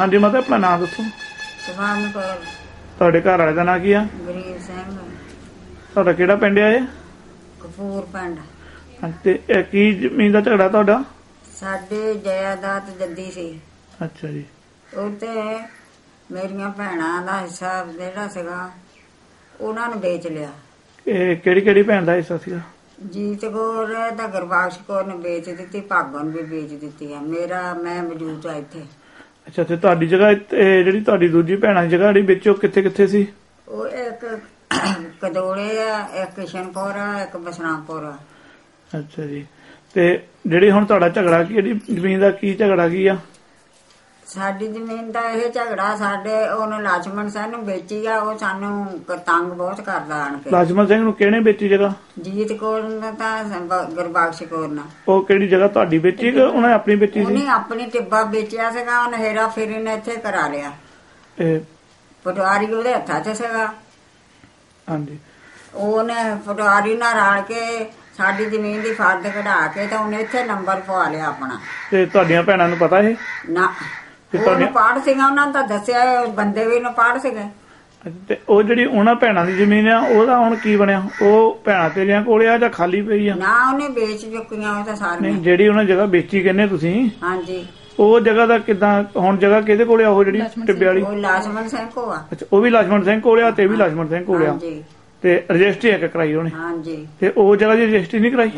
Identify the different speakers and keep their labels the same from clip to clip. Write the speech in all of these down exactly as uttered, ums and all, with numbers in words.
Speaker 1: हाँ जी माता अपना नाम दसो।
Speaker 2: सुभान कौर।
Speaker 1: ਤੁਹਾਡੇ ਘਰ ਵਾਲੇ ਦਾ ਨਾਂ ਕੀ ਆ?
Speaker 2: ਗਰੀਬ ਸਿੰਘ।
Speaker 1: ਤੁਹਾਡਾ ਕਿਹੜਾ ਪਿੰਡ ਆ ਇਹ?
Speaker 2: ਕਪੂਰ ਪਿੰਡ।
Speaker 1: ਤੇ ਇਹ ਕੀ ਜ਼ਮੀਨ ਦਾ ਝਗੜਾ ਤੁਹਾਡਾ?
Speaker 2: ਸਾਡੇ ਜਾਇਦਾਦ ਜੱਦੀ ਸੀ।
Speaker 1: ਅੱਛਾ ਜੀ।
Speaker 2: ਉੱਤੇ ਮੇਰੀਆਂ ਭੈਣਾਂ ਦਾ ਹਿੱਸਾ ਜਿਹੜਾ ਸੀਗਾ ਉਹਨਾਂ ਨੂੰ ਵੇਚ ਲਿਆ। ਇਹ
Speaker 1: ਕਿਹੜੀ ਕਿਹੜੀ ਭੈਣ ਦਾ ਹਿੱਸਾ ਸੀਗਾ?
Speaker 2: ਜੀਤ ਕੌਰ ਤਾਂ ਗੁਰਬਖਸ਼ ਕੌਰ ਨੇ ਵੇਚ ਦਿੱਤੀ, ਭਾਗੋਂ ਨੂੰ ਵੀ ਵੇਚ ਦਿੱਤੀ ਆ। ਮੇਰਾ ਮੈਂ ਮੌਜੂਦ ਆ ਇੱਥੇ।
Speaker 1: ਅੱਛਾ ਤੇ ਤੁਹਾਡੀ ਜਗ੍ਹਾ ਜਿਹੜੀ ਤੁਹਾਡੀ ਦੂਜੀ ਭੈਣਾਂ ਦੀ ਜਗ੍ਹਾ ਜਿਹੜੀ ਵਿੱਚ ਉਹ ਕਿੱਥੇ ਕਿੱਥੇ ਸੀ?
Speaker 2: ਉਹ ਇੱਕ ਕਦੋਲੇ ਆ, ਇੱਕ ਕਿਸ਼ਨਪੁਰ ਆ, ਇੱਕ ਬਸਰਾਮਪੁਰ ਆ।
Speaker 1: ਅੱਛਾ ਜੀ। ਤੇ ਜਿਹੜੀ ਹੁਣ ਤੁਹਾਡਾ ਝਗੜਾ ਕੀ ਜਿਹੜੀ ਜ਼ਮੀਨ ਦਾ ਕੀ ਝਗੜਾ ਕੀ ਆ? ਸਾਡੀ
Speaker 2: ਜ਼ਮੀਨ ਦਾ ਇਹ ਝਗੜਾ ਸਾਡੇ ਉਹਨੂੰ ਲਛਮਣ ਸਿੰਘ ਨੂੰ ਵੇਚੀ ਆ। ਉਹ ਸਾਨੂੰ ਤੰਗ ਬਹੁਤ ਕਰਦਾ ਆਣ ਕੇ।
Speaker 1: ਲਛਮਣ ਸਿੰਘ ਨੂੰ ਕਿਹਨੇ ਵੇਚੀ ਜਗ੍ਹਾ?
Speaker 2: ਜੀਤ ਕੌਰ ਨੇ ਤਾਂ ਗੁਰਬਖਸ਼ ਕੌਰ ਨੇ।
Speaker 1: ਉਹ ਕਿਹੜੀ ਜਗ੍ਹਾ ਤੁਹਾਡੀ ਵੇਚੀ ਕਿ ਉਹਨੇ ਆਪਣੀ ਵੇਚੀ ਸੀ?
Speaker 2: ਉਹਨੇ ਆਪਣੀ ਟਿੱਬਾ ਵੇਚਿਆ ਸੀਗਾ। ਉਹਨੇ ਹੇਰਾ ਫੇਰੀ ਨੇ ਇੱਥੇ ਕਰਾ ਲਿਆ। ਪਟਵਾਰੀ ਉਹਦੇ ਹੱਥਾਂ 'ਚ ਸੀਗਾ।
Speaker 1: ਹਾਂਜੀ।
Speaker 2: ਉਹਨੇ ਪਟਵਾਰੀ ਨਾਲ ਰਲ ਕੇ ਸਾਡੀ ਜ਼ਮੀਨ ਦੀ ਫਰਦ ਕਢਾ ਕੇ ਤਾਂ ਉਹਨੇ ਇੱਥੇ ਨੰਬਰ ਪਵਾ ਲਿਆ ਆਪਣਾ।
Speaker 1: ਤੇ ਤੁਹਾਡੀਆਂ ਭੈਣਾਂ ਨੂੰ ਪਤਾ ਇਹ?
Speaker 2: ਨਾ ਉਹਨੂੰ ਪਾੜ ਸੀਗਾ, ਉਹਨਾਂ ਨੇ ਤਾਂ ਦੱਸਿਆ। ਬੰਦੇ ਵੀ ਨੂੰ ਪਾੜ ਸੀਗੇ।
Speaker 1: ਤੇ ਉਹ ਜਿਹੜੀ ਉਹਨਾਂ ਭੈਣਾਂ ਦੀ ਜ਼ਮੀਨ ਆ ਉਹਦਾ ਹੁਣ ਕੀ ਬਣਿਆ? ਉਹ ਭੈਣਾਂ ਤੇਰੀਆਂ ਕੋਲੇ ਆ ਜਾਂ ਖਾਲੀ ਪਈ ਆ?
Speaker 2: ਨਾ ਉਹਨੇ ਵੇਚ ਚੁੱਕੀਆਂ ਉਹ ਤਾਂ ਸਾਰੀਆਂ।
Speaker 1: ਜਿਹੜੀ ਉਹਨਾਂ ਜਗ੍ਹਾ ਵੇਚੀ ਕਹਿੰਦੇ ਤੁਸੀਂ?
Speaker 2: ਹਾਂਜੀ।
Speaker 1: ਉਹ ਜਗ੍ਹਾ ਦਾ ਕਿੱਦਾਂ ਹੁਣ ਜਗ੍ਹਾ ਕਿਹਦੇ ਕੋਲੇ ਆ? ਉਹ ਜਿਹੜੀ ਟਿੱਬੇ ਵਾਲੀ?
Speaker 2: ਉਹ ਲਛਮਣ ਸਿੰਘ ਕੋਲ ਆ।
Speaker 1: ਅੱਛਾ ਉਹ ਵੀ ਲਛਮਣ ਸਿੰਘ ਕੋਲੇ ਆ ਤੇ ਵੀ ਲਛਮਣ ਸਿੰਘ ਕੋਲੇ ਆ। ਤੇ ਰਜਿਸਟਰੀ ਇੱਕ ਕਰਾਈ ਉਹਨੇ?
Speaker 2: ਹਾਂਜੀ।
Speaker 1: ਤੇ ਉਹ ਜਗ੍ਹਾ ਦੀ ਰਜਿਸਟਰੀ ਨਹੀਂ ਕਰਾਈ?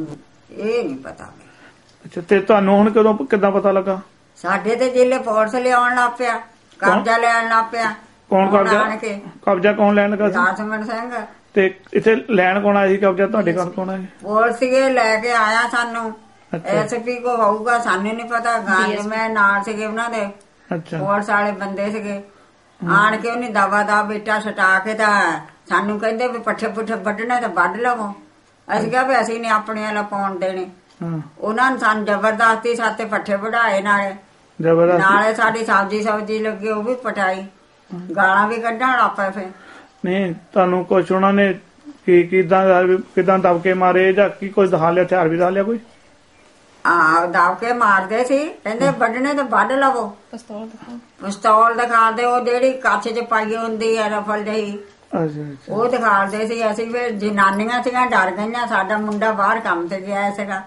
Speaker 2: ਇਹ ਨਹੀਂ ਪਤਾ।
Speaker 1: ਅੱਛਾ ਤੇ ਤੁਹਾਨੂੰ ਹੁਣ ਕਦੋਂ ਕਿੱਦਾਂ ਪਤਾ ਲੱਗਾ?
Speaker 2: ਸਾਡੇ ਤੇ ਜ਼ਿਲ੍ਹੇ ਪੁਲਿਸ ਲਿਆਉਣ ਲੱਗ ਪਿਆ, ਕਬਜ਼ਾ ਲੈਣ ਲੱਗ ਪਿਆ।
Speaker 1: ਕੌਣ ਕਬਜ਼ਾ? ਕਬਜ਼ਾ ਕੌਣ ਲੈਣ ਲੱਗਾ?
Speaker 2: ਲਛਮਣ ਸਿੰਘ।
Speaker 1: ਤੇ ਇੱਥੇ ਲੈਣ ਕੌਣ ਆਇਆ ਸੀ ਕਬਜ਼ਾ? ਤੁਹਾਡੇ ਘਰ ਕੌਣ ਆਇਆ?
Speaker 2: ਪੁਲਿਸ ਸੀਗੇ ਲੈ ਕੇ ਆਇਆ ਸਾਨੂੰ। ਐਸ ਪੀ ਕੋ ਹੋਊਗਾ ਸਾਨੂੰ ਨੀ ਪਤਾ। ਗਾਂ ਮੈਂ ਨਾਲ ਸੀਗੇ ਉਹਨਾਂ ਦੇ।
Speaker 1: ਅੱਛਾ।
Speaker 2: ਪੁਲਿਸ ਵਾਲੇ ਬੰਦੇ ਸੀਗੇ। ਆਣ ਕੇ ਉਹਨੇ ਦਵਾ ਦਾ ਬੇਟਾ ਛਟਾ ਕੇ ਤਾਂ ਸਾਨੂੰ ਕਹਿੰਦੇ ਵੀ ਪੱਠੇ ਪੁੱਠੇ ਵੱਢਣੇ ਤਾਂ ਵੱਢ ਲਵੋ। ਅਸੀਂ ਕਿਹਾ ਵੀ ਅਸੀਂ ਨੀ ਆਪਣੇ ਵਾਲਾ ਪਾਉਣ ਦੇਣੇ। ਉਹਨਾਂ ਨੇ ਸਾਨੂੰ ਜ਼ਬਰਦਸਤੀ ਸਾਤੇ ਪੱਠੇ ਵਢਾਏ ਨਾਲੇ ਨਾਲੇ ਸਾਡੀ ਸਬਜ਼ੀ ਸਬਜ਼ੀ ਲੱਗੀ ਉਹ ਵੀ ਪਟਾਈ। ਗਾਲਾਂ ਵੀ ਕੱਢਣ ਲੱਗ ਪਏ। ਫਿਰ
Speaker 1: ਨਹੀਂ ਤੁਹਾਨੂੰ ਕੁਛ ਉਹਨਾਂ ਨੇ ਕੀ ਕਿਦਾਂ ਕਿਦਾਂ ਦਬਕੇ ਮਾਰੇ ਜਾਂ ਕੀ ਕੁਝ ਦਿਖਾ ਲਿਆ? ਹਥਿਆਰ ਵੀ ਦਿਖਾ ਲਿਆ ਕੋਈ?
Speaker 2: ਹਾਂ ਦਬਕੇ ਮਾਰਦੇ ਸੀ। ਕਹਿੰਦੇ ਵੱਢਣੇ ਤਾਂ ਵੱਢ ਲਵੋ। ਪਿਸਤੌਲ ਪਿਸਤੌਲ ਦਿਖਾਦੇ। ਉਹ ਜਿਹੜੀ ਕੱਛ ਚ ਪਾਈ ਹੁੰਦੀ ਆ ਰਫਲ ਜਿਹੀ ਉਹ ਦਿਖਾਦੇ ਸੀ। ਅਸੀਂ ਫਿਰ ਜਨਾਨੀਆਂ ਸੀਗੀਆਂ ਡਰ ਗਈਆਂ। ਸਾਡਾ ਮੁੰਡਾ ਬਾਹਰ ਕੰਮ ਤੇ ਗਿਆ ਸੀਗਾ।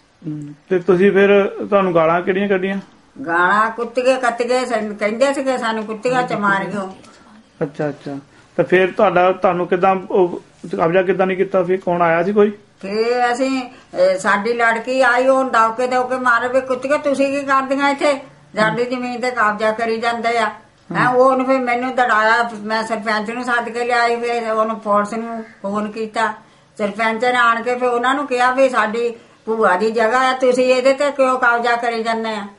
Speaker 1: ਤੇ ਤੁਸੀਂ ਫਿਰ ਤੁਹਾਨੂੰ ਗਾਲਾਂ ਕਿਹੜੀਆਂ ਕੱਢੀਆਂ?
Speaker 2: ਗਾਲਾਂ ਕੁੱਤੀਏ ਕੱਤੀਏ ਕਹਿੰਦੇ ਸੀਗੇ ਸਾਨੂੰ। ਕੁੱਤੀਆਂ ਚ ਮਾਰਿਓ।
Speaker 1: ਅੱਛਾ ਅੱਛਾ। ਤੇ ਫਿਰ ਤੁਹਾਡਾ ਤੁਹਾਨੂੰ ਕਿੱਦਾਂ ਕਬਜ਼ਾ ਕਿੱਦਾਂ ਨਹੀਂ ਕੀਤਾ? ਫਿਰ ਕੌਣ ਆਇਆ ਸੀ ਕੋਈ?
Speaker 2: ਫੇਰ ਅਸੀਂ ਸਾਡੀ ਲੜਕੀ ਆਈ। ਉਹ ਦੌਕੇ ਦੌਕੇ ਮਾਰੇ ਵੀ ਕੁੱਤੀਏ ਤੁਸੀਂ ਕੀ ਕਰਦੀਆਂ ਇੱਥੇ? ਸਾਡੀ ਜ਼ਮੀਨ ਤੇ ਕਬਜ਼ਾ ਕਰੀ ਜਾਂਦੇ ਆ। ਹੈ ਉਹਨੂੰ ਫਿਰ ਮੈਨੂੰ ਦੜਾਇਆ। ਮੈਂ ਸਰਪੰਚ ਨੂੰ ਸੱਦ ਕੇ ਲਿਆਈ। ਫਿਰ ਉਹਨੂੰ ਪੁਲਿਸ ਨੂੰ ਫੋਨ ਕੀਤਾ। ਸਰਪੰਚ ਨੇ ਆਣ ਕੇ ਫਿਰ ਉਹਨਾਂ ਨੂੰ ਕਿਹਾ ਵੀ ਸਾਡੀ ਭੂਆ ਦੀ ਜਗ੍ਹਾ ਆ, ਤੁਸੀਂ ਇਹਦੇ ਤੇ ਕਿਉਂ ਕਬਜ਼ਾ ਕਰੀ ਜਾਂਦੇ ਆ?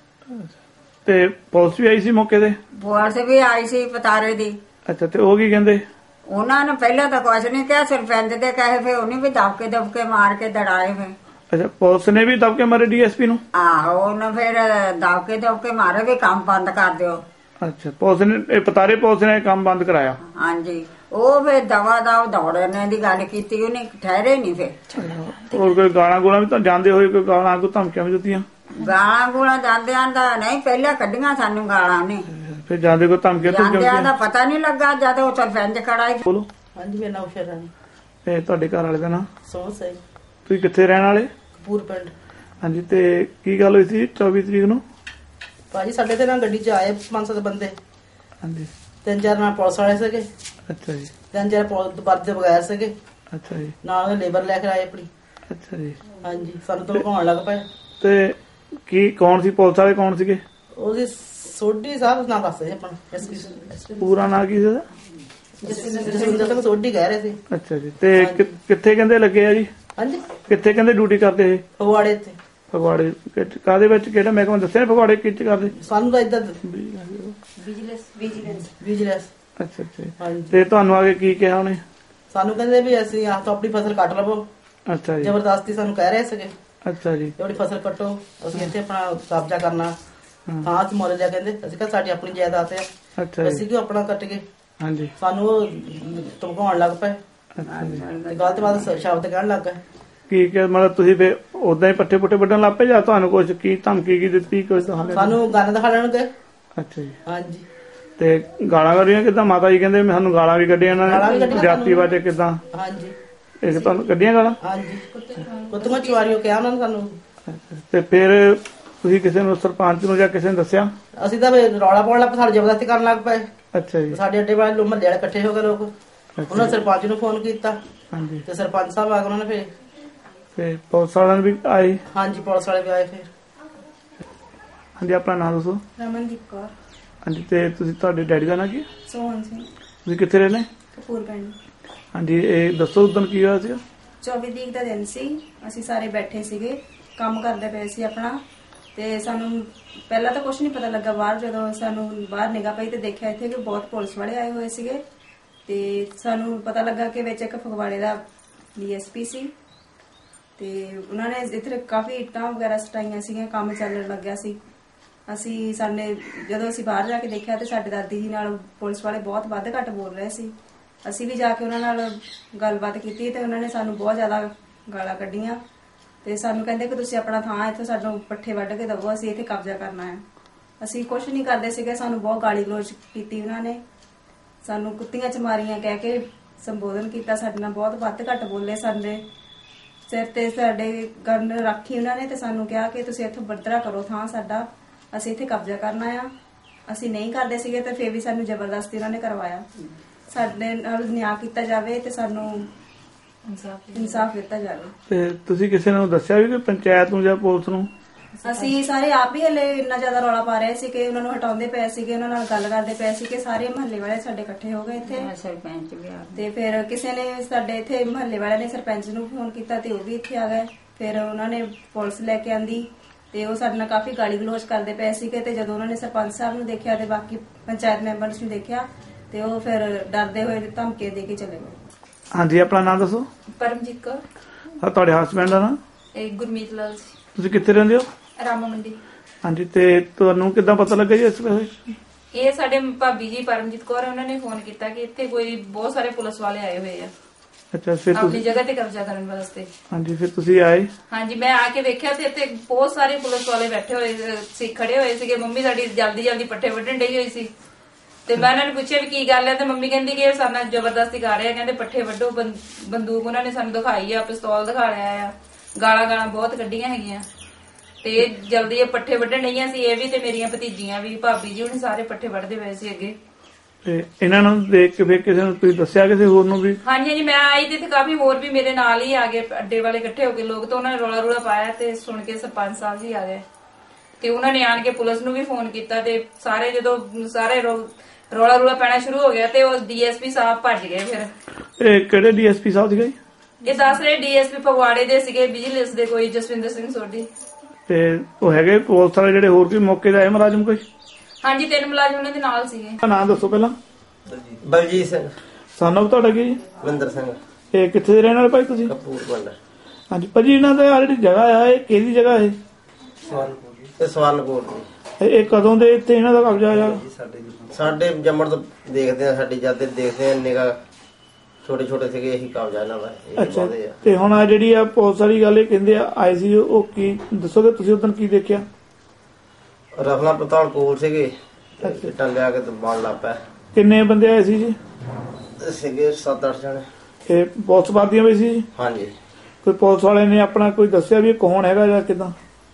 Speaker 1: ਤੇ ਪੁਲਿਸ ਵੀ ਆਈ ਸੀ ਮੌਕੇ ਤੇ?
Speaker 2: ਪੁਲਿਸ ਵੀ ਆਈ ਸੀ ਪਤਾਰੇ ਦੀ।
Speaker 1: ਅੱਛਾ ਤੇ ਉਹ ਕੀ ਕਹਿੰਦੇ?
Speaker 2: ਉਹਨਾਂ ਨੇ ਪਹਿਲਾਂ ਤਾਂ ਕੁਛ ਨੀ ਕਿਹਾ। ਸਰਪੰਚ ਦੇ ਕਹੇ ਫਿਰ ਉਹਨੇ ਵੀ ਦਬਕੇ ਦਬਕੇ ਮਾਰ ਕੇ ਦੜਾਏ। ਫਿਰ
Speaker 1: ਅੱਛਾ ਪੁਲਿਸ ਨੇ ਵੀ ਦਬਕੇ ਮਾਰੇ ਡੀ ਐਸ ਪੀ ਨੂੰ?
Speaker 2: ਆਹੋ ਉਹਨੇ ਫਿਰ ਦਬਕੇ ਦਬਕੇ ਮਾਰੇ ਵੀ ਕੰਮ ਬੰਦ ਕਰ ਦਿਓ।
Speaker 1: ਅੱਛਾ ਪੁਲਿਸ ਨੇ ਪਤਾਰੇ ਪੁਲਿਸ ਨੇ ਕੰਮ ਬੰਦ ਕਰਾਇਆ?
Speaker 2: ਹਾਂਜੀ। ਉਹ ਫਿਰ ਦਵਾ ਦਵ ਦੌੜਨੇ ਦੀ ਗੱਲ ਕੀਤੀ। ਉਹਨੇ ਠਹਿਰੇ ਨੀ। ਫਿਰ
Speaker 1: ਹੋਰ ਕੋਈ ਗਾਲਾਂ ਗੋਲਾਂ ਵੀ ਤਾਂ ਜਾਂਦੇ ਹੋਏ ਕੋਈ ਗਾਲਾਂ ਕੋਈ ਧਮਕੀਆਂ ਵੀ ਦਿੱਤੀਆਂ?
Speaker 2: ਗਾਲਾਂ ਗੋਲਾਂ ਜਾਂਦਿਆਂ ਦਾ ਨਹੀਂ ਪਹਿਲਾਂ ਕੱਢੀਆਂ ਸਾਨੂੰ ਗਾਲਾਂ ਨੇ।
Speaker 1: ਫਿਰ ਜਾਂਦੇ ਕੋਈ ਧਮਕੀਆਂ
Speaker 2: ਜਾਂਦਿਆਂ ਦਾ ਪਤਾ ਨੀ ਲੱਗਾ ਜਦ ਉਹ ਸਰਪੰਚ ਖੜਾ ਸੀ।
Speaker 1: ਬੋਲੋ।
Speaker 3: ਹਾਂਜੀ ਮੇਰਾ ਨਾਮ ਸ਼ਰਨ।
Speaker 1: ਤੇ ਤੁਹਾਡੇ ਘਰ ਵਾਲੇ ਦਾ ਨਾਮ?
Speaker 3: ਸੋਹਣ ਸਿੰਘ।
Speaker 1: ਤੁਸੀਂ ਕਿੱਥੇ ਰਹਿਣ ਵਾਲੇ?
Speaker 3: ਕਪੂਰ ਪਿੰਡ।
Speaker 1: ਹਾਂਜੀ ਤੇ ਕੀ ਗੱਲ ਹੋਈ ਸੀ ਚੌਵੀ ਤਰੀਕ ਨੂੰ?
Speaker 3: ਭਾਜੀ ਸਾਡੇ ਤੇ ਨਾ ਗੱਡੀ ਚ ਆਏ ਪੰਜ ਸੱਤ ਬੰਦੇ।
Speaker 1: ਹਾਂਜੀ।
Speaker 3: ਤਿੰਨ ਚਾਰ ਨਾਲ ਪੁਲਿਸ ਵਾਲੇ ਸੀਗੇ।
Speaker 1: ਅੱਛਾ ਜੀ।
Speaker 3: ਤਿੰਨ ਚਾਰ ਪੁਲਿਸ ਦੇ ਬਗੈਰ ਸੀਗੇ।
Speaker 1: ਅੱਛਾ ਜੀ।
Speaker 3: ਨਾਲ ਉਹਦੇ ਲੇਬਰ ਲੈ ਕੇ ਆਏ ਆਪਣੀ।
Speaker 1: ਅੱਛਾ ਜੀ।
Speaker 3: ਹਾਂਜੀ ਸਾਨੂੰ ਧਮਕਾਉਣ ਲੱਗ ਪਏ।
Speaker 1: ਤੇ ਕੀ ਕੌਣ ਸੀ ਪੁਲਿਸ ਵਾਲੇ? ਕੌਣ ਸੀਗੇ?
Speaker 3: ਉਹਦੀ ਸੋਢੀ ਸਾਹਿਬ ਨਾਂ ਦੱਸਦੇ ਆਪਣਾ।
Speaker 1: ਪੂਰਾ ਨਾਂ ਕੀ ਸੀ?
Speaker 3: ਜਸਵਿੰਦਰ ਸਿੰਘ ਸੋਢੀ ਕਹਿ ਰਹੇ ਸੀ।
Speaker 1: ਅੱਛਾ ਜੀ। ਤੇ ਕਿੱਥੇ ਕਹਿੰਦੇ ਲੱਗੇ ਆ ਜੀ?
Speaker 3: ਹਾਂਜੀ
Speaker 1: ਕਿੱਥੇ ਕਹਿੰਦੇ ਡਿਊਟੀ ਕਰਦੇ ਇਹ?
Speaker 3: ਫਗਵਾੜੇ ਤੇ।
Speaker 1: ਫਗਵਾੜੇ ਕਾਹਦੇ ਵਿੱਚ? ਕਿਹੜਾ ਮਹਿਕਮਾ ਦੱਸਿਆ? ਫਗਵਾੜੇ ਕਿੱਥੇ ਕਰਦੇ?
Speaker 3: ਸਾਨੂੰ ਤਾਂ ਏਦਾਂ
Speaker 2: ਵਿਜੀਲੈਂਸ।
Speaker 1: ਅੱਛਾ ਅੱਛਾ। ਤੇ ਤੁਹਾਨੂੰ ਆ ਕੇ ਕੀ ਕਿਹਾ ਉਹਨੇ?
Speaker 3: ਸਾਨੂੰ ਕਹਿੰਦੇ ਵੀ ਅਸੀਂ ਆਹ ਤੋਂ ਆਪਣੀ ਫਸਲ ਕੱਟ ਲਵੋ।
Speaker 1: ਅੱਛਾ ਜੀ।
Speaker 3: ਜ਼ਬਰਦਸਤੀ ਸਾਨੂੰ ਕਹਿ ਰਹੇ ਸੀਗੇ।
Speaker 1: ਅੱਛਾ ਜੀ।
Speaker 3: ਆਪਣੀ ਫਸਲ ਕੱਟੋ ਅਸੀਂ ਇੱਥੇ ਆਪਣਾ ਕਬਜ਼ਾ ਕਰਨਾ। ਹਾਂ ਅਸੀਂ ਮੁੱਲ ਲਿਆ ਕਹਿੰਦੇ। ਅਸੀਂ ਕਿਹਾ ਸਾਡੀ ਆਪਣੀ ਜਾਇਦਾਦ ਆ।
Speaker 1: ਅੱਛਾ।
Speaker 3: ਅਸੀਂ ਕਿਉਂ ਆਪਣਾ ਕੱਟ ਗਏ?
Speaker 1: ਹਾਂਜੀ।
Speaker 3: ਸਾਨੂੰ ਉਹ ਧਮਕਾਉਣ ਲੱਗ ਪਏ। ਗਲਤ ਬਾਤ ਸ਼ਬਦ ਕਹਿਣ ਲੱਗ ਗਏ।
Speaker 1: ਕੀ ਕਿ ਮਤਲਬ ਤੁਸੀਂ ਫਿਰ ਉਦਾਂ ਹੀ ਪੱਠੇ ਪੁੱਠੇ ਵੱਢਣ ਲੱਗ ਪਏ ਜਾਂ ਤੁਹਾਨੂੰ ਕੁਛ ਕੀ ਧਮਕੀ ਕੀ ਦਿੱਤੀ? ਕੁਛ
Speaker 3: ਸਾਨੂੰ ਗੰਨ ਦਿਖਾ ਲੈਣਗੇ।
Speaker 1: ਅੱਛਾ ਜੀ।
Speaker 3: ਹਾਂਜੀ।
Speaker 1: ਤੇ ਗਾਲਾਂ ਕੱਢੀਆਂ ਕਿੱਦਾਂ? ਮਾਤਾ ਜੀ ਕਹਿੰਦੇ ਸਾਨੂੰ ਗਾਲਾਂ ਵੀ ਕੱਢੀਆਂ ਇਹਨਾਂ
Speaker 3: ਗਾਲਾਂ ਵੀ
Speaker 1: ਨੇ
Speaker 3: ਕੱਢੀਆਂ
Speaker 1: ਜਾਤੀ
Speaker 3: ਸਾਨੂੰ।
Speaker 1: ਬਾਰੇ ਕਿੱਦਾਂ?
Speaker 3: ਹਾਂਜੀ।
Speaker 1: ਇਹ ਤੁਹਾਨੂੰ ਕੱਢੀਆਂ ਗਾਲਾਂ?
Speaker 3: ਹਾਂਜੀ। ਕੁੱਤੀਆਂ ਚਵਾਰੀਓ ਕਿਹਾ ਉਹਨਾਂ ਨੇ ਸਾਨੂੰ।
Speaker 1: ਤੇ ਫਿਰ ਤੁਸੀਂ ਕਿਸੇ ਨੂੰ, ਸਰਪੰਚ ਨੂੰ ਜਾਂ ਕਿਸੇ ਨੂੰ ਦੱਸਿਆ?
Speaker 3: ਅਸੀਂ ਤਾਂ ਰੌਲਾ ਪਾਉਣ ਲੱਗ ਪਏ, ਸਾਡੇ ਜ਼ਬਰਦਸਤੀ ਕਰਨ ਲੱਗ ਪਏ।
Speaker 1: ਅੱਛਾ ਜੀ।
Speaker 3: ਸਾਡੇ ਅੱਡੇ ਵਾਲੇ ਲੋਕ ਮਹੱਲੇ ਵਾਲੇ ਇਕੱਠੇ ਹੋ ਗਏ ਲੋਕ, ਉਹਨਾਂ ਨੇ ਸਰਪੰਚ ਨੂੰ ਫੋਨ ਕੀਤਾ।
Speaker 1: ਹਾਂਜੀ।
Speaker 3: ਤੇ ਸਰਪੰਚ ਸਾਹਿਬ ਆ ਗਏ, ਉਹਨਾਂ ਨੇ ਫਿਰ
Speaker 1: ਤੇ ਪੁਲਿਸ ਵਾਲਿਆਂ ਵੀ ਆਏ?
Speaker 3: ਹਾਂਜੀ, ਪੁਲਿਸ ਵਾਲੇ ਵੀ ਆਏ ਫਿਰ।
Speaker 1: ਹਾਂਜੀ, ਆਪਣਾ ਨਾਮ ਦੱਸੋ।
Speaker 4: ਰਮਨਦੀਪ ਕੌਰ।
Speaker 1: ਹਾਂਜੀ, ਤੇ ਤੁਸੀਂ, ਤੁਹਾਡੇ ਡੈਡੀ ਦਾ ਨਾਂ ਕੀ?
Speaker 4: ਸੋਹਣ ਸਿੰਘ।
Speaker 1: ਤੁਸੀਂ ਕਿੱਥੇ ਰਹਿੰਦੇ?
Speaker 4: ਕਪੂਰ ਪਿੰਡ।
Speaker 1: ਹਾਂਜੀ, ਇਹ ਦੱਸੋ ਉਦੋਂ ਕੀ ਹੋਇਆ ਸੀਗਾ?
Speaker 4: ਚੌਵੀ ਤਰੀਕ ਦਾ ਦਿਨ ਸੀ, ਅਸੀਂ ਸਾਰੇ ਬੈਠੇ ਸੀਗੇ, ਕੰਮ ਕਰਦੇ ਪਏ ਸੀ ਆਪਣਾ। ਤੇ ਸਾਨੂੰ ਪਹਿਲਾਂ ਤਾਂ ਕੁਝ ਨਹੀਂ ਪਤਾ ਲੱਗਾ। ਬਾਹਰ ਜਦੋਂ ਸਾਨੂੰ ਬਾਹਰ ਨਿਗਾਹ ਪਈ ਤੇ ਦੇਖਿਆ ਇੱਥੇ ਕਿ ਬਹੁਤ ਪੁਲਿਸ ਵਾਲੇ ਆਏ ਹੋਏ ਸੀਗੇ। ਤੇ ਸਾਨੂੰ ਪਤਾ ਲੱਗਾ ਕਿ ਵਿੱਚ ਇੱਕ ਫਗਵਾੜੇ ਦਾ ਡੀਐਸਪੀ ਸੀ ਤੇ ਉਹਨਾਂ ਨੇ ਇੱਥੇ ਕਾਫੀ ਇੱਟਾਂ ਵਗੈਰਾ ਸਟਾਈਆਂ ਸੀਗੀਆਂ, ਕੰਮ ਚੱਲਣ ਲੱਗਿਆ ਸੀ। ਅਸੀਂ ਸਾਡੇ ਜਦੋਂ ਅਸੀਂ ਬਾਹਰ ਜਾ ਕੇ ਦੇਖਿਆ ਤੇ ਸਾਡੇ ਦਾਦੀ ਜੀ ਨਾਲ ਪੁਲਿਸ ਵਾਲੇ ਬਹੁਤ ਵੱਧ ਘੱਟ ਬੋਲ ਰਹੇ ਸੀ। ਅਸੀਂ ਵੀ ਜਾ ਕੇ ਉਹਨਾਂ ਨਾਲ ਗੱਲਬਾਤ ਕੀਤੀ ਤੇ ਉਹਨਾਂ ਨੇ ਸਾਨੂੰ ਬਹੁਤ ਜ਼ਿਆਦਾ ਗਾਲਾਂ ਕੱਢੀਆਂ ਤੇ ਸਾਨੂੰ ਕਹਿੰਦੇ ਕਿ ਤੁਸੀਂ ਆਪਣਾ ਥਾਂ ਇੱਥੇ ਸਾਨੂੰ ਪੱਠੇ ਵੱਢ ਕੇ ਦਵੋ, ਅਸੀਂ ਇੱਥੇ ਕਬਜ਼ਾ ਕਰਨਾ ਹੈ। ਅਸੀਂ ਕੁਛ ਨਹੀਂ ਕਰਦੇ ਸੀਗੇ, ਸਾਨੂੰ ਬਹੁਤ ਗਾਲੀ ਗਲੋਚ ਕੀਤੀ ਉਹਨਾਂ ਨੇ, ਸਾਨੂੰ ਕੁੱਤੀਆਂ ਚਮਾਰੀਆਂ ਕਹਿ ਕੇ ਸੰਬੋਧਨ ਕੀਤਾ, ਸਾਡੇ ਨਾਲ ਬਹੁਤ ਵੱਧ ਘੱਟ ਬੋਲੇ। ਸਾਡੇ ਸਿਰ ਤੇ ਸਾਡੇ ਗਨ ਰੱਖੀ ਉਹਨਾਂ ਨੇ ਤੇ ਸਾਨੂੰ ਕਿਹਾ ਕਿ ਤੁਸੀਂ ਇੱਥੋਂ ਵੱਧਰਾ ਕਰੋ ਥਾਂ ਸਾਡਾ, ਅਸੀਂ ਇੱਥੇ ਕਬਜ਼ਾ ਕਰਨਾ ਆ। ਅਸੀਂ ਨਹੀਂ ਕਰਦੇ ਸੀਗੇ ਤੇ ਫਿਰ ਵੀ ਸਾਨੂੰ ਜ਼ਬਰਦਸਤੀ ਉਹਨਾਂ ਨੇ ਕਰਵਾਇਆ। ਸਾਡੇ ਨਾਲ ਨਿਆਂ ਕੀਤਾ ਜਾਵੇ ਤੇ ਸਾਨੂੰ ਇਨਸਾਫ ਦਿੱਤਾ ਜਾਵੇ।
Speaker 1: ਤੇ ਤੁਸੀਂ ਕਿਸੇ ਨੂੰ ਦੱਸਿਆ ਵੀ ਕਿ ਪੰਚਾਇਤ ਨੂੰ ਜਾਂ ਪੁਲਿਸ ਨੂੰ?
Speaker 4: ਅਸੀਂ ਸਾਰੇ ਆਪ ਹੀ ਹਲੇ ਇੰਨਾ ਜ਼ਿਆਦਾ ਰੌਲਾ ਪਾ ਰਹੇ ਸੀ ਕਿ ਉਹਨਾਂ ਨੂੰ ਹਟਾਉਂਦੇ ਪਏ ਸੀਗੇ, ਉਹਨਾਂ ਨਾਲ ਗੱਲ ਕਰਦੇ ਪਏ ਸੀ ਕਿ ਸਾਰੇ ਮਹੱਲੇ ਵਾਲੇ ਸਾਡੇ ਇਕੱਠੇ ਹੋ ਗਏ ਇੱਥੇ।
Speaker 2: ਸਰਪੰਚ ਵੀ ਆ
Speaker 4: ਤੇ ਫਿਰ ਕਿਸੇ ਨੇ ਸਾਡੇ ਇੱਥੇ ਮਹੱਲੇ ਵਾਲਿਆਂ ਨੇ ਸਰਪੰਚ ਨੂੰ ਫੋਨ ਕੀਤਾ ਤੇ ਉਹ ਵੀ ਇੱਥੇ ਆ ਗਏ। ਫਿਰ ਉਹਨਾਂ ਨੇ ਪੁਲਿਸ ਲੈ ਕੇ ਆਂਦੀ ਤੇ ਉਹ ਸਾਡੇ ਨਾਲ ਕਾਫੀ ਗਾਲੀ ਗਲੋਚ ਕਰਦੇ ਪਏ ਸੀਗੇ। ਤੇ ਜਦੋਂ ਉਹਨਾਂ ਨੇ ਸਰਪੰਚ ਸਾਹਿਬ ਨੂੰ ਦੇਖਿਆ ਤੇ ਬਾਕੀ ਪੰਚਾਇਤ ਮੈਂਬਰਸ ਨੂੰ ਦੇਖਿਆ ਤੇ ਉਹ ਫਿਰ ਡਰਦੇ ਹੋਏ ਧਮਕੀਆਂ ਦੇ ਕੇ ਚਲੇ ਗਏ।
Speaker 1: ਹਾਂਜੀ, ਆਪਣਾ ਨਾਮ ਦੱਸੋ।
Speaker 5: ਪਰਮਜੀਤ ਕੌਰ।
Speaker 1: ਹਾਂ, ਤੁਹਾਡੇ ਹਸਬੈਂਡ ਦਾ ਨਾਮ?
Speaker 5: ਇਹ ਗੁਰਮੀਤ ਲਾਲ ਸੀ।
Speaker 1: ਤੁਸੀਂ ਕਿੱਥੇ ਰਹਿੰਦੇ ਹੋ?
Speaker 5: ਰਾਮਾ ਮੰਡੀ।
Speaker 1: ਹਾਂਜੀ, ਤੇ ਤੁਹਾਨੂੰ ਕਿੱਦਾਂ ਪਤਾ ਲੱਗਾ ਜੀ ਇਸ ਵੇਲੇ?
Speaker 5: ਇਹ ਸਾਡੇ ਭਾਬੀ ਜੀ ਪਰਮਜੀਤ ਕੌਰ, ਉਹਨਾਂ ਨੇ ਫੋਨ ਕੀਤਾ ਕਿ ਇੱਥੇ ਕੋਈ ਬਹੁਤ ਸਾਰੇ ਪੁਲਿਸ ਵਾਲੇ ਆਏ ਹੋਏ ਆ
Speaker 1: ਅੱਛਾ, ਫਿਰ
Speaker 5: ਆਪਣੀ
Speaker 1: ਤੁਸੀਂ?
Speaker 5: ਜਗ੍ਹਾ ਤੇ ਕਬਜ਼ਾ ਕਰਨ ਵਾਸਤੇ।
Speaker 1: ਹਾਂਜੀ, ਫਿਰ ਤੁਸੀਂ ਆਏ?
Speaker 5: ਹਾਂਜੀ, ਮੈਂ ਆ ਕੇ ਵੇਖਿਆ ਤੇ ਇੱਥੇ ਬਹੁਤ ਸਾਰੇ ਪੁਲਿਸ ਵਾਲੇ ਬੈਠੇ ਹੋਏ ਸੀ, ਖੜੇ ਹੋਏ ਸੀਗੇ। ਮੰਮੀ ਸਾਡੀ ਜਲਦੀ ਜਲਦੀ ਪੱਠੇ ਵੱਢਣ ਡਈ ਹੋਈ ਸੀ ਤੇ ਮੈਂ ਉਹਨਾਂ ਨੂੰ ਪੁੱਛਿਆ ਵੀ ਕੀ ਗੱਲ ਹੈ ਤੇ ਮੰਮੀ ਕਹਿੰਦੀ ਕਿ ਇਹ ਸਾਡੇ ਨਾਲ ਜ਼ਬਰਦਸਤੀ ਕਰ ਰਹੇ ਆ, ਕਹਿੰਦੇ ਪੱਠੇ ਵੱਢੋ। ਬੰਦੂਕ ਉਹਨਾਂ ਨੇ ਸਾਨੂੰ ਦਿਖਾਈ ਆ, ਪਿਸਤੌਲ ਦਿਖਾ ਲਿਆ ਆ, ਗਾਲਾਂ ਗਾਲਾਂ ਬਹੁਤ ਕੱਢੀਆਂ ਹੈਗੀਆਂ ਤੇ ਜਲਦੀ ਇਹ ਪੱਠੇ ਵੱਢਣ ਡਈਆਂ ਸੀ। ਇਹ ਵੀ ਤੇ ਮੇਰੀਆਂ ਭਤੀਜੀਆਂ ਵੀ, ਭਾਬੀ ਜੀ ਹੁਣ ਸਾਰੇ ਪੱਠੇ ਵੱਢਦੇ ਪਏ ਸੀ ਅੱਗੇ।
Speaker 1: ਤੇ ਇਹਨਾਂ ਨੂੰ ਦੇਖ ਕੇ ਫਿਰ ਕਿਸੇ ਨੂੰ ਤੁਸੀਂ ਦੱਸਿਆ ਕਿਸੇ ਹੋਰ ਨੂੰ ਵੀ?
Speaker 5: ਹਾਂਜੀ ਹਾਂਜੀ, ਮੈਂ ਆਈ ਤੇ ਕਾਫੀ ਹੋਰ ਵੀ ਮੇਰੇ ਨਾਲ ਹੀ ਆ ਗਏ, ਅੱਡੇ ਵਾਲੇ ਇਕੱਠੇ ਹੋ ਕੇ ਲੋਕ, ਤਾਂ ਉਹਨਾਂ ਨੇ ਰੌਲਾ ਰੂਲਾ ਪਾਇਆ ਤੇ ਸੁਣ ਕੇ ਸਰਪੰਚ ਸਾਹਿਬ ਜੀ ਆ ਗਏ ਤੇ ਉਹਨਾਂ ਨੇ ਆਣ ਕੇ ਪੁਲਿਸ ਨੂੰ ਵੀ ਫੋਨ ਕੀਤਾ ਤੇ ਸਾਰੇ ਜਦੋਂ ਸਾਰੇ ਰੌਲਾ ਰੂਲਾ ਪੈਣਾ ਸ਼ੁਰੂ ਹੋ ਗਿਆ ਤੇ ਉਹ ਡੀਐਸਪੀ ਸਾਹਿਬ ਭੱਜ ਗਏ। ਫਿਰ
Speaker 1: ਇਹ ਕਿਹੜੇ ਡੀਐਸਪੀ ਸਾਹਿਬ ਸੀਗੇ?
Speaker 5: ਇਹ ਦੱਸ ਰਹੇ ਡੀਐਸਪੀ ਫਗਵਾੜੇ ਦੇ ਸੀਗੇ, ਵਿਜੀਲੈਂਸ ਦੇ ਕੋਈ ਜਸਵਿੰਦਰ ਸਿੰਘ ਸੋਢੀ।
Speaker 1: ਤੇ ਉਹ ਹੈਗੇ ਪੁਲਿਸ ਵਾਲੇ ਜਿਹੜੇ ਹੋਰ ਵੀ ਮੌਕੇ ਤੇ ਆਏ ਮੁਲਾਜ਼ਮ ਕੋਈ?
Speaker 5: ਹਾਂਜੀ, ਤਿੰਨ ਮੁਲਾਜ਼ਮ ਉਹਨਾਂ ਦੇ ਨਾਲ ਸੀਗੇ।
Speaker 1: ਨਾਮ ਦੱਸੋ ਪਹਿਲਾਂ।
Speaker 6: ਬਲਜੀਤ ਸਿੰਘ।
Speaker 1: ਸਾਨੂੰ ਤੁਹਾਡਾ ਕੀ ਜੀ?
Speaker 6: ਵਿੰਦਰ ਸਿੰਘ।
Speaker 1: ਇਹ ਕਿੱਥੇ ਦੇ ਰਹਿਣ ਵਾਲੇ ਭਾਈ ਤੁਸੀਂ?
Speaker 6: ਕਪੂਰ ਪਿੰਡ।
Speaker 1: ਹਾਂਜੀ ਭਾਜੀ, ਇਹਨਾਂ ਦਾ ਆਹ ਜਿਹੜੀ ਜਗ੍ਹਾ ਆ ਇਹ ਕਿਹਦੀ ਜਗ੍ਹਾ ਹੈ?
Speaker 6: ਇਹ ਸਵਰਨਪੁਰ ਦੀ।
Speaker 1: ਇਹ ਕਦੋਂ ਦੇ ਇੱਥੇ ਇਹਨਾਂ ਦਾ ਕਬਜ਼ਾ ਆ?
Speaker 6: ਸਾਡੇ ਜੰਮਣ ਤੋਂ ਦੇਖਦੇ ਆ, ਸਾਡੀ ਜਦ ਦੇਖਦੇ ਆ ਨਿਗਾ ਛੋਟੇ ਛੋਟੇ ਸੀਗੇ, ਇਹੀ ਕਬਜ਼ਾ ਇਹਨਾਂ ਦਾ।
Speaker 1: ਅੱਛਾ, ਤੇ ਹੁਣ ਆ ਜਿਹੜੀ ਆ ਪੁਲਿਸ ਵਾਲੀ ਗੱਲ ਇਹ ਕਹਿੰਦੇ ਆ ਆਏ ਸੀ, ਉਹ ਕੀ ਦੱਸੋਗੇ ਤੁਸੀਂ ਉਦੋਂ ਕੀ ਦੇਖਿਆ?
Speaker 6: ਰਫਲਾ ਪਤਾਲ ਕੋਲ ਸੀਗੇ, ਇੱਟਾਂ ਲਿਆ ਕੇ ਤੇ ਬਣ ਲੱਗ ਪਿਆ।
Speaker 1: ਕਿੰਨੇ ਬੰਦੇ ਆਏ ਸੀ ਜੀ?
Speaker 6: ਸੀਗੇ ਸੱਤ ਅੱਠ ਜਣੇ।
Speaker 1: ਇਹ ਪੁਲਿਸ ਵਾਦੀਆਂ ਵੀ ਸੀ?
Speaker 6: ਹਾਂਜੀ।
Speaker 1: ਕੋਈ ਪੁਲਿਸ ਵਾਲੇ ਨੇ ਆਪਣਾ ਕੋਈ ਦੱਸਿਆ ਵੀ ਕੌਣ ਹੈਗਾ ਜਾਂ ਕਿਦਾਂ?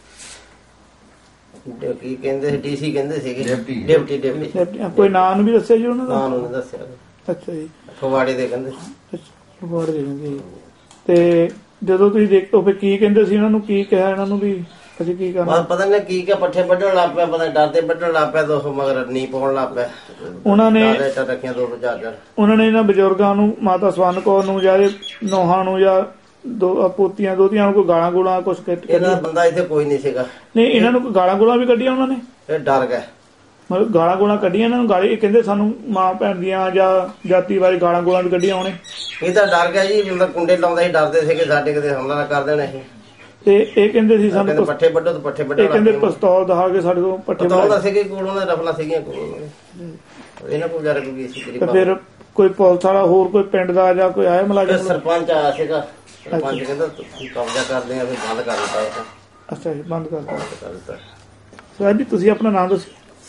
Speaker 6: ਕੀ ਕਹਿੰਦੇ ਸੀ, ਡੀਸੀ ਕਹਿੰਦੇ ਸੀਗੇ। Deputy deputy.
Speaker 1: ਕੋਈ ਨਾਂ ਨੂੰ ਵੀ ਦੱਸਿਆ ਜੀ ਉਹਨਾਂ ਦਾ?
Speaker 6: ਨਾਂ ਨੂੰ ਦੱਸਿਆ।
Speaker 1: ਅੱਛਾ ਜੀ।
Speaker 6: ਫਗਵਾੜੇ ਦੇ ਕਹਿੰਦੇ।
Speaker 1: ਫਗਵਾੜੇ ਦੇ ਕਹਿੰਦੇ। ਤੇ ਜਦੋਂ ਤੁਸੀਂ ਦੇਖੋ ਫਿਰ ਕੀ ਕਹਿੰਦੇ ਸੀ? ਇਹਨਾਂ ਨੂੰ ਕੀ ਕਿਹਾ ਇਹਨਾਂ ਨੂੰ ਵੀ ਅਸੀਂ ਕੀ ਕਰਨਾ?
Speaker 6: ਪਤਾ ਨਹੀਂ ਕੀ ਕਿ ਪੱਠੇ ਵੱਢਣ ਲੱਗ ਪਿਆ, ਪਤਾ ਡਰਦੇ ਵੱਢਣ ਲੱਗ ਪਿਆ, ਦੋਸਤ ਮਗਰ ਨੀ ਪਾਉਣ ਲੱਗ ਪਿਆ।
Speaker 1: ਉਹਨਾਂ ਨੇ
Speaker 6: ਰੱਖੀਆਂ ਦੋ ਚਾਰ ਚਾਰ।
Speaker 1: ਉਹਨਾਂ ਨੇ ਇਹਨਾਂ ਬਜ਼ੁਰਗਾਂ ਨੂੰ, ਮਾਤਾ ਸਵਰਨ ਕੌਰ ਨੂੰ ਜਾਂ ਨੌਹਾਂ ਨੂੰ ਜਾਂ ਦੋ ਪੋਤੀਆਂ ਦੋਤੀਆਂ ਨੂੰ ਕੋਈ ਗਾਲਾਂ ਗੋਲਾਂ ਕੁਛ?
Speaker 6: ਇਹਨਾਂ ਬੰਦਾ ਇੱਥੇ ਕੋਈ ਨਹੀਂ ਸੀਗਾ।
Speaker 1: ਨਹੀਂ, ਇਹਨਾਂ ਨੂੰ ਗਾਲਾਂ ਗੋਲਾਂ ਵੀ ਕੱਢੀਆਂ ਉਹਨਾਂ ਨੇ?
Speaker 6: ਇਹ ਡਰ ਗਏ,
Speaker 1: ਮਤਲਬ ਗਾਲਾਂ ਗੋਲਾਂ ਕੱਢੀਆਂ ਇਹਨਾਂ ਨੂੰ? ਗਾਲੀ ਕਹਿੰਦੇ ਸਾਨੂੰ ਮਾਂ ਭੈਣ ਦੀਆਂ ਜਾਂ ਜਾਤੀ ਬਾਰੇ ਗਾਲਾਂ ਗੋਲਾਂ ਵੀ ਕੱਢੀਆਂ ਉਹਨੇ?
Speaker 6: ਇਹ ਤਾਂ ਡਰ ਗਿਆ ਜੀ, ਮਤਲਬ ਕੁੰਡੇ ਲਾਉਂਦਾ ਸੀ, ਡਰਦੇ ਸੀਗੇ ਸਾਡੇ ਕਿਤੇ ਹਮਲਾ ਨਾ ਕਰ ਦੇਣਾ ਸੀ।
Speaker 1: ਤੇ ਇਹ ਕਹਿੰਦੇ ਸੀ ਸਾਨੂੰ
Speaker 6: ਪੱਠੇ ਵੱਢੋ ਤੇ ਪੱਠੇ ਵੱਢੋ।
Speaker 1: ਇਹ ਕਹਿੰਦੇ ਪਿਸਤੌਲ ਦਿਖਾ ਕੇ ਸਾਡੇ ਕੋਲ ਪੱਠੇ
Speaker 6: ਵੱਢੋ ਸੀਗੇ ਕੋਲ, ਉਹਨਾਂ ਦੇ ਰਫਲਾਂ ਸੀਗੀਆਂ ਕੋਲ, ਇਹਨਾਂ ਕੋਲ ਵਿਚਾਰੇ ਕੋਈ ਸੀ।
Speaker 1: ਤੇ ਫਿਰ ਕੋਈ ਪੁਲਿਸ ਵਾਲਾ ਹੋਰ ਕੋਈ ਪਿੰਡ ਦਾ ਜਾਂ ਕੋਈ ਆਇਆ ਮੁਲਾਜ਼ਮ?
Speaker 6: ਸਰਪੰਚ ਆਇਆ ਸੀਗਾ। ਸਰਪੰਚ ਕਹਿੰਦਾ ਤੁਸੀਂ ਕਬਜ਼ਾ ਕਰਦੇ ਆ, ਫਿਰ ਬੰਦ ਕਰ ਦਿੱਤਾ।
Speaker 1: ਅੱਛਾ ਜੀ, ਬੰਦ ਕਰ ਦਿੱਤਾ।
Speaker 6: ਕਰ ਦਿੱਤਾ।
Speaker 1: ਸਾਹਿਬ ਜੀ, ਤੁਸੀਂ ਆਪਣਾ ਨਾਮ ਦੱਸੋ।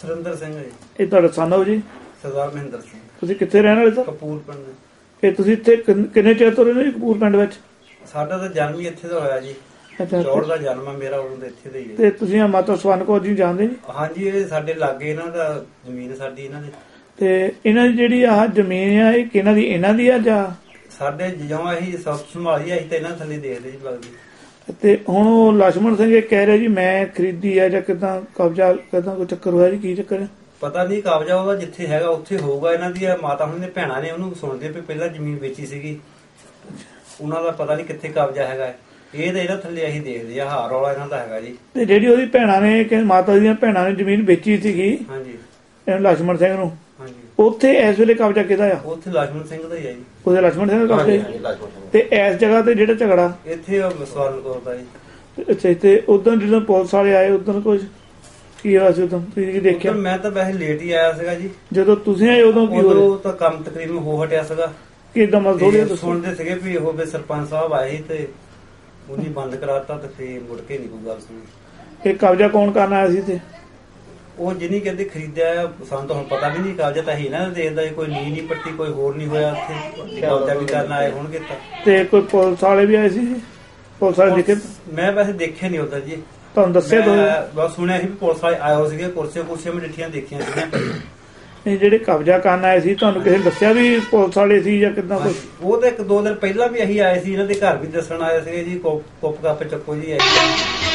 Speaker 7: ਸੁਰਿੰਦਰ ਸਿੰਘ ਜੀ।
Speaker 1: ਇਹ ਤੁਹਾਡਾ son ਹੋ ਜੀ?
Speaker 7: ਸਰਦਾਰ ਮਹਿੰਦਰ ਸਿੰਘ।
Speaker 1: ਤੁਸੀਂ ਕਿੱਥੇ ਰਹਿਣ ਵਾਲੇ ਸਰ?
Speaker 7: ਕਪੂਰ ਪਿੰਡ।
Speaker 1: ਇਹ ਤੁਸੀਂ ਇੱਥੇ ਕਿੰਨ- ਕਿੰਨੇ ਚਿਰ ਤੋਂ ਰਹਿੰਦੇ ਹੋ ਜੀ ਕਪੂਰ ਪਿੰਡ ਵਿੱਚ?
Speaker 7: ਸਾਡਾ ਤਾਂ ਜਨਮ ਹੀ ਇੱਥੇ ਦਾ ਹੋਇਆ ਜੀ।
Speaker 1: ਅੱਛਾ,
Speaker 7: ਚੌੜ ਦਾ ਜਨਮ ਆ ਮੇਰਾ, ਉਦੋਂ ਦਾ ਇੱਥੇ ਦਾ ਹੀ ਹੈ।
Speaker 1: ਤੇ ਤੁਸੀਂ ਆ ਮਾਤਾ ਸਵਰਨ ਕੌਰ ਜੀ ਜਾਣਦੇ ਜੀ?
Speaker 7: ਹਾਂਜੀ, ਇਹ ਸਾਡੇ ਲਾਗੇ ਇਹਨਾਂ ਦਾ ਜ਼ਮੀਨ ਸਾਡੀ ਇਹਨਾਂ ਦੀ।
Speaker 1: ਤੇ ਇਹਨਾਂ ਦੀ ਜਿਹੜੀ ਆਹ ਜ਼ਮੀਨ ਆ ਇਹ ਕਿਹਨਾਂ ਦੀ? ਇਹਨਾਂ ਦੀ ਆ ਜਾਂ?
Speaker 7: ਸਾਡੇ ਜਿਉਂ ਅਸੀਂ ਸਭ ਸੰਭਾਲੀ ਅਸੀਂ ਤਾਂ ਇਹਨਾਂ ਥੱਲੇ ਦੇਖਦੇ ਜੀ ਲੱਗਦੀ।
Speaker 1: ਤੇ ਹੁਣ ਉਹ ਲక్ష్మణ ਸਿੰਘ ਇਹ ਕਹਿ ਰਿਹਾ ਜੀ ਮੈਂ ਖਰੀਦੀ ਆ ਜਾਂ ਕਿਦਾਂ ਕਬਜ਼ਾ ਕਿਦਾਂ ਕੋਈ ਚੱਕਰ ਹੋਇਆ ਜੀ? ਕੀ ਚੱਕਰ ਹੈ?
Speaker 7: ਪਤਾ ਨਹੀਂ, ਕਬਜ਼ਾ ਉਹਦਾ ਜਿੱਥੇ ਹੈਗਾ ਉੱਥੇ ਹੋਊਗਾ। ਇਹਨਾਂ ਦੀ ਮਾਤਾ ਹੁਣ ਦੇ ਭੈਣਾਂ ਨੇ ਉਹਨੂੰ ਸੁਣਦੇ ਵੀ ਪਹਿਲਾਂ ਜ਼ਮੀਨ ਵੇਚੀ ਸੀਗੀ, ਉਹਨਾਂ ਦਾ ਪਤਾ ਨਹੀਂ ਕਿੱਥੇ ਕਬਜ਼ਾ ਹੈਗਾ। ਇਹ ਤਾਂ ਇਹਨਾਂ ਥੱਲੇ ਅਸੀਂ ਦੇਖਦੇ ਆ, ਹਾਰ ਵਾਲਾ ਇਹਨਾਂ ਦਾ ਹੈਗਾ ਜੀ।
Speaker 1: ਤੇ ਜਿਹੜੀ ਉਹਦੀ ਭੈਣਾਂ ਨੇ ਕਿ ਮਾਤਾ ਦੀਆਂ ਭੈਣਾਂ ਨੇ ਜ਼ਮੀਨ ਵੇਚੀ ਸੀਗੀ
Speaker 7: ਹਾਂਜੀ
Speaker 1: ਇਹਨੂੰ ਲక్ష్మణ ਸਿੰਘ ਨੂੰ,
Speaker 7: ਹਾਂਜੀ,
Speaker 1: ਉੱਥੇ ਇਸ ਵੇਲੇ ਕਬਜ਼ਾ ਕਿਹਦਾ ਆ?
Speaker 7: ਉੱਥੇ ਲక్ష్మణ ਸਿੰਘ ਦਾ ਹੀ ਹੈ ਜੀ।
Speaker 1: ਉਹਦੇ ਲక్ష్మణ ਸਿੰਘ ਦਾ ਕਬਜ਼ਾ
Speaker 6: ਹਾਂਜੀ
Speaker 1: ਜੀ?
Speaker 6: ਹਾਂਜੀ ਲਾਜਮਨ ਸਿੰਘ।
Speaker 1: ਤੇ ਇਸ ਜਗ੍ਹਾ ਤੇ ਜਿਹੜਾ ਝਗੜਾ
Speaker 7: ਇੱਥੇ ਉਹ ਸਵਰਨ ਕੌਰ ਦਾ ਜੀ।
Speaker 1: ਅੱਛਾ, ਤੇ ਉਦੋਂ ਜਦੋਂ ਪੁਲਿਸ ਵਾਲੇ ਆਏ ਉਦੋਂ ਕੁਝ ਕੀ ਹੋਇਆ ਸੀ? ਉਦੋਂ ਤੁਸੀਂ ਕੀ ਦੇਖਿਆ?
Speaker 7: ਉਦੋਂ ਮੈਂ ਤਾਂ ਵੈਸੇ ਲੇਟ ਹੀ ਆਇਆ ਸੀਗਾ ਜੀ।
Speaker 1: ਜਦੋਂ ਤੁਸੀਂ ਆਏ ਉਦੋਂ ਕੀ ਹੋਇਆ?
Speaker 7: ਉਦੋਂ ਤਾਂ ਕੰਮ ਤਕਰੀਬਨ ਹੋ ਹਟਿਆ ਸੀਗਾ।
Speaker 1: ਕਿਦਾਂ ਮਤਲਬ ਥੋੜੀ
Speaker 7: ਤੇ ਸੁਣਦੇ ਸੀਗੇ ਵੀ ਉਹ ਵੀ ਸਰਪੰਚ ਸਾਹਿਬ ਆਏ ਸੀ ਤੇ ਉਹਨੇ ਬੰਦ ਕਰਾਤਾ ਤੇ ਫੇਰ ਮੁੜ ਕੇ ਨਹੀਂ ਕੋਈ ਗੱਲ ਸੁਣੀ।
Speaker 1: ਇਹ ਕਬਜ਼ਾ ਕੌਣ ਕਰਨ ਆਇਆ ਸੀ ਤੇ?
Speaker 7: ਉਹ ਜਿਹਨੀ ਕਹਿੰਦੇ ਖਰੀਦਿਆ ਆ, ਸਾਨੂੰ ਤਾਂ ਹੁਣ ਪਤਾ ਵੀ ਨਹੀਂ। ਕਬਜ਼ਾ ਤਾਂ ਹੀ ਨਾ ਦੇਖਦਾ, ਕੋਈ ਨੀ ਨਹੀਂ ਪੱਟੀ, ਕੋਈ ਹੋਰ ਨਹੀਂ ਹੋਇਆ ਉੱਥੇ। ਕਬਜ਼ਾ ਵੀ ਕਰਨ ਆਏ ਹੋਣਗੇ ਤਾਂ।
Speaker 1: ਤੇ ਕੋਈ ਪੁਲਿਸ ਵਾਲੇ ਵੀ ਆਏ ਸੀ ਜੀ? ਪੁਲਿਸ ਵਾਲੇ ਦੇਖੇ?
Speaker 7: ਮੈਂ ਵੈਸੇ ਦੇਖਿਆ ਨਹੀਂ ਉਧਰ ਜੀ।
Speaker 1: ਤੁਹਾਨੂੰ ਦੱਸਿਆ ਦੋ?
Speaker 7: ਮੈਂ ਬਸ ਸੁਣਿਆ ਸੀ ਵੀ ਪੁਲਿਸ ਵਾਲੇ ਆਏ ਹੋ ਸੀਗੇ, ਕੁਰਸੀਆਂ ਕੁਰਸੀਆਂ ਮੈਂ ਡਿੱਠੀਆਂ ਦੇਖੀਆਂ ਸੀਗੀਆਂ।
Speaker 1: ਨਹੀਂ, ਜਿਹੜੇ ਕਬਜ਼ਾ ਕਰਨ ਆਏ ਸੀ ਤੁਹਾਨੂੰ ਕਿਸੇ ਨੇ ਦੱਸਿਆ ਵੀ ਪੁਲਿਸ ਵਾਲੇ ਸੀ ਜਾਂ ਕਿਦਾਂ ਕੁਝ?
Speaker 7: ਉਹ ਤਾਂ ਇੱਕ ਦੋ ਦਿਨ ਪਹਿਲਾਂ ਵੀ ਅਸੀਂ ਆਏ ਸੀ, ਇਹਨਾਂ ਦੇ ਘਰ ਵੀ ਦੱਸਣ ਆਏ ਸੀਗੇ ਜੀ। ਕੁੱਪ ਕੱਪ ਚੱਕੋ ਜੀ ਆਏ।